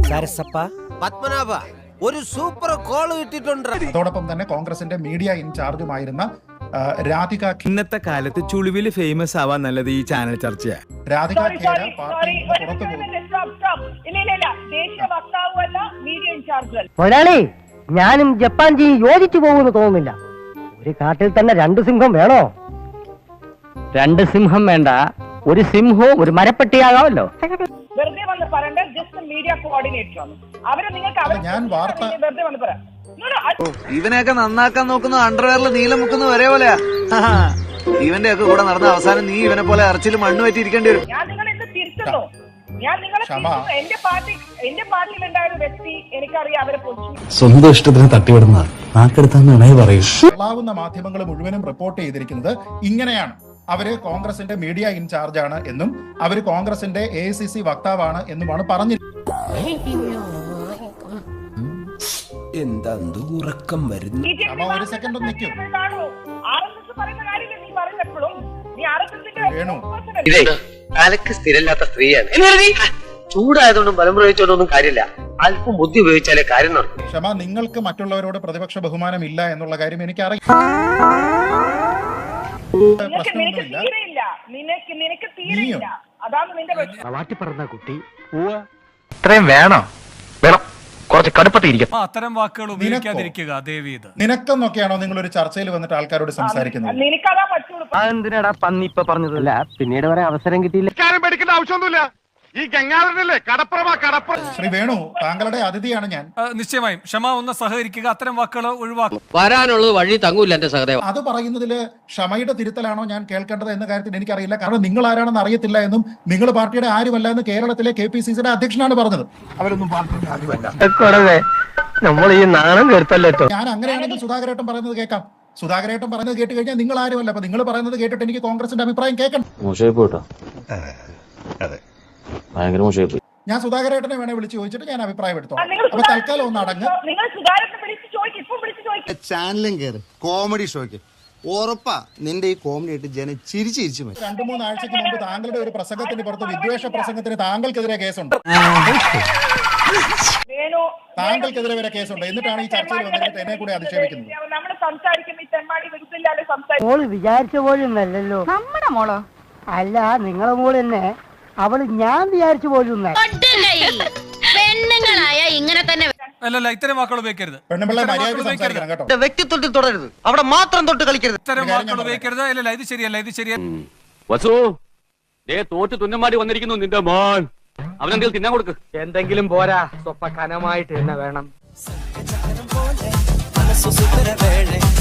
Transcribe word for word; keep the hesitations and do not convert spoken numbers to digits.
പത്മനാഭ ഒരു super call കിട്ടിയിട്ടുണ്ട്. അതോടൊപ്പം തന്നെ കോൺഗ്രസിന്റെ മീഡിയ ഇൻചാർജുമായിരുന്ന രാധിക. ഇന്നത്തെ കാലത്ത് ചുളിവില് ഫേമസ് ആവാൻ നല്ലത് ഈ ചാനൽ ചർച്ചയാ. രാധിക ഖേര പാർട്ടിയിൽ നിന്ന് പുറത്തു പോകും. മുതലാളി, ഞാനും ജപ്പാൻ ജി യോജിച്ചു പോകുമെന്ന് തോന്നുന്നില്ല. ഒരു കാട്ടിൽ തന്നെ രണ്ട് സിംഹം വേണോ? രണ്ട് സിംഹം വേണ്ട, ഒരു സിംഹവും ഒരു മരപ്പെട്ടിയാകാമല്ലോ. വെറുതെ വന്ന് പറയണ്ട, ജസ്റ്റ് മീഡിയ കോർഡിനേറ്റർ ആണ് അവര്. നിങ്ങൾക്ക് ഞാൻ വാർത്ത വെറുതെ വന്ന് പറയാം. ഇവനെയൊക്കെ നന്നാക്കാൻ നോക്കുന്ന അണ്ടർവെയറിൽ നീലം മുക്കുന്ന ഒരേ പോലെയാ. ഇവന്റെ ഒക്കെ കൂടെ നടന്ന അവസാനം നീ ഇവനെ പോലെ അറച്ചിൽ മണ്ണ് പറ്റി ഇരിക്കേണ്ടി വരും. ഞാൻ നിങ്ങളെ ഇന്ന് തിരുത്തുന്നു. ഞാൻ നിങ്ങളെ തിരുത്തുന്നു. എന്റെ പാർട്ടി എന്റെ പാർട്ടിയിൽ ഉണ്ടായ ഒരു വ്യക്തി എനിക്കറിയാം അവരെ പൊളിച്ചു. സ്വന്തം ഇഷ്ടത്തിന് തട്ടിവിടുന്ന നാക്കെടുത്താന്ന് പറയൂ. കൊള്ളാവുന്ന മാധ്യമങ്ങൾ മുഴുവനും റിപ്പോർട്ട് ചെയ്തിരിക്കുന്നത് ഇങ്ങനെയാണ്. അവര് കോൺഗ്രസിന്റെ മീഡിയ ഇൻചാർജാണ് എന്നും അവര് കോൺഗ്രസിന്റെ എ ഐ സി സി വക്താവാണ് എന്നുമാണ് പറഞ്ഞിരിക്കുന്നത്. എന്താ ഉറക്കം വരുന്നു? ഒരു സെക്കൻഡ് ഒന്ന് നിൽക്കും. വേണു, തലക്ക് സ്ഥിരമില്ലാത്ത സ്ത്രീയാണ്. ചൂടായതുകൊണ്ടും ബലം പ്രയോഗിച്ചോണ്ടൊന്നും കാര്യമില്ല. അല്പം ബുദ്ധി ഉപയോഗിച്ചാലേ കാര്യം നടക്കും. ക്ഷമ, നിങ്ങൾക്ക് മറ്റുള്ളവരോട് പ്രതിപക്ഷ ബഹുമാനം ഇല്ല എന്നുള്ള കാര്യം എനിക്കറിയാം. പറഞ്ഞ കുട്ടി ഇത്രയും വേണോ? വേണം, കുറച്ച് കടുപ്പത്തിരിക്കും. അത്തരം വാക്കുകൾ ഉപയോഗിക്കാതിരിക്കുക ദേവീത്. നിനക്കെന്നൊക്കെയാണോ നിങ്ങൾ ഒരു ചർച്ചയിൽ വന്നിട്ട് ആൾക്കാരോട് സംസാരിക്കുന്നത്? എന്തിനാടാ പന്നി ഇപ്പൊ പറഞ്ഞതല്ല, പിന്നീട് വരെ അവസരം കിട്ടിയില്ല. ആവശ്യമൊന്നുമില്ല. ഈ ഗംഗാധരനല്ലേ കടപ്പുറമാ കടപ്പുറം. ശ്രീ വേണു, താങ്കളുടെ അതിഥിയാണ് ഞാൻ. നിശ്ചയമായും ക്ഷമ ഒന്ന് സഹകരിക്കുക, അത്തരം വാക്കുകൾ ഒഴിവാക്കും. വരാനുള്ളത് വഴി തങ്ങൂല്ല എന്റെ സഹദേവ. അത് പറയുന്നതില് ക്ഷമയുടെ തിരുത്തലാണോ ഞാൻ കേൾക്കേണ്ടത് എന്ന കാര്യത്തിൽ എനിക്കറിയില്ല. കാരണം നിങ്ങൾ ആരാണെന്ന് അറിയത്തില്ല എന്നും നിങ്ങൾ പാർട്ടിയുടെ ആരുമല്ല എന്ന് കേരളത്തിലെ കെ പി സി സിയുടെ അധ്യക്ഷനാണ് പറഞ്ഞത്. അവരൊന്നും പാർട്ടിയുടെ ആരുമല്ല. നമ്മൾ ഈ നാണം കേട്ടല്ലോ. ഞാൻ അങ്ങനെയാണെങ്കിൽ സുധാകരേട്ടൻ പറയുന്നത് കേൾക്കാം. സുധാകരേട്ടൻ പറയുന്നത് കേട്ട് കഴിഞ്ഞാൽ നിങ്ങൾ ആരുമല്ല. അപ്പൊ നിങ്ങൾ പറയുന്നത് കേട്ടിട്ട് എനിക്ക് കോൺഗ്രസിന്റെ അഭിപ്രായം കേൾക്കണം. ഞാൻ സുധാകരേട്ടനെ വേണേ വിളിച്ച് ചോദിച്ചിട്ട് ഞാൻ അഭിപ്രായം എടുത്തോളാം. അപ്പൊ തൽക്കാലം ഒന്ന് അടങ്ങ്. ചാനലും കയറി കോമഡി ഷോയ്ക്ക് ഉറപ്പാ നിന്റെ ഈ കോമഡി ആയിട്ട് ജനം ചിരിച്ചു ചിരിച്ചു മതി. രണ്ടു മൂന്നാഴ്ചക്ക് മുമ്പ് താങ്കളുടെ ഒരു പ്രസംഗത്തിന് പുറത്ത് വിദ്വേഷ പ്രസംഗത്തിന് താങ്കൾക്കെതിരെ കേസുണ്ട്. താങ്കൾക്കെതിരെ വരെ കേസുണ്ട്. എന്നിട്ടാണ് ഈ ചർച്ചയിൽ വന്നിട്ട് എന്നെ കൂടെ അധിക്ഷേപിക്കുന്നത്. മോള് വിചാരിച്ച പോലും അല്ലല്ലോ നമ്മുടെ മോളോ. അല്ല, നിങ്ങളെ മോള് തന്നെ. അവള് ഞാൻ വിചാരിച്ചു പോലും പെണ്ണുങ്ങളായ ഇങ്ങനെ തന്നെ. അല്ലല്ല, ഇത്തരം വാക്കുകൾ ഉപയോഗിക്കരുത്. പെണ്ണുപിള്ള മര്യാദയ്ക്ക് സംസാരിക്കണം കേട്ടോ. വ്യക്തിത്വത്തിൽ തുടരരുത്, അവിടെ മാത്രം തൊട്ട് കളിക്കരുത്. ഇത്തരം വാക്കുകൾ ഉപയോഗിക്കരുത്. അല്ലല്ല, ഇത് ശരിയല്ല, ഇത് ശരിയല്ല. വസു, ദേ തോറ്റ് തുന്നമാടി വന്നിരിക്കുന്നു നിന്റെ മോൻ. അവനെന്തെങ്കിലും തിന്നാൻ കൊടുക്ക്. എന്തെങ്കിലും പോരാ, സ്വപ്പ കനമായിട്ട് തന്നെ വേണം.